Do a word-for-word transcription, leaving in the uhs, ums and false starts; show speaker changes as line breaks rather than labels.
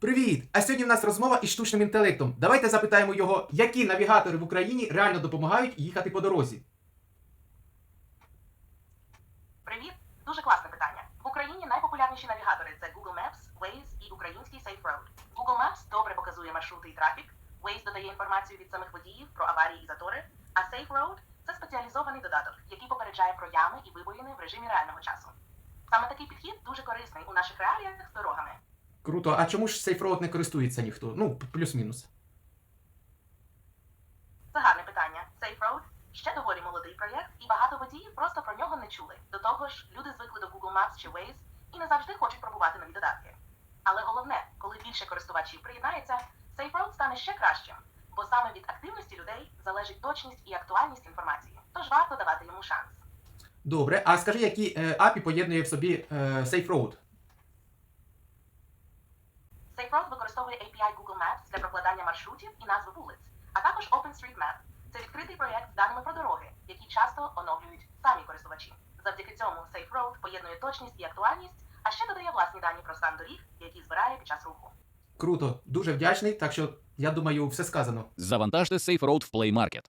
Привіт! А сьогодні в нас розмова із штучним інтелектом. Давайте запитаємо його, які навігатори в Україні реально допомагають їхати по дорозі.
Привіт! Дуже класне питання. В Україні найпопулярніші навігатори це Google Maps, Waze і український Safe Road. Google Maps добре показує маршрути і трафік, Waze додає інформацію від самих водіїв про аварії і затори, а Safe Road – це спеціалізований додаток, який попереджає про ями і вибоїни в режимі реального часу. Саме такий підхід дуже корисний у наших реаліях з дорогами.
Круто, а чому ж SafeRoad не користується ніхто? Ну, плюс-мінус.
Це гарне питання. Safe Road – ще доволі молодий проєкт, і багато водіїв просто про нього не чули. До того ж, люди звикли до Google Maps чи Waze і не завжди хочуть пробувати нові додатки. Але головне, коли більше користувачів приєднається, Safe Road стане ще кращим, бо саме від активності людей залежить точність і актуальність інформації. Тож варто давати йому шанс.
Добре, а скажи, які е, ей пі ай поєднує в собі е, SafeRoad?
Safe Road використовує ей пі ай Google Maps для прокладання маршрутів і назви вулиць, а також OpenStreetMap. Це відкритий проєкт з даними про дороги, які часто оновлюють самі користувачі. Завдяки цьому Safe Road поєднує точність і актуальність, а ще додає власні дані про стан доріг, які збирає під час руху.
Круто, дуже вдячний, так що, я думаю, все сказано.
Завантажте SafeRoad в Play Market.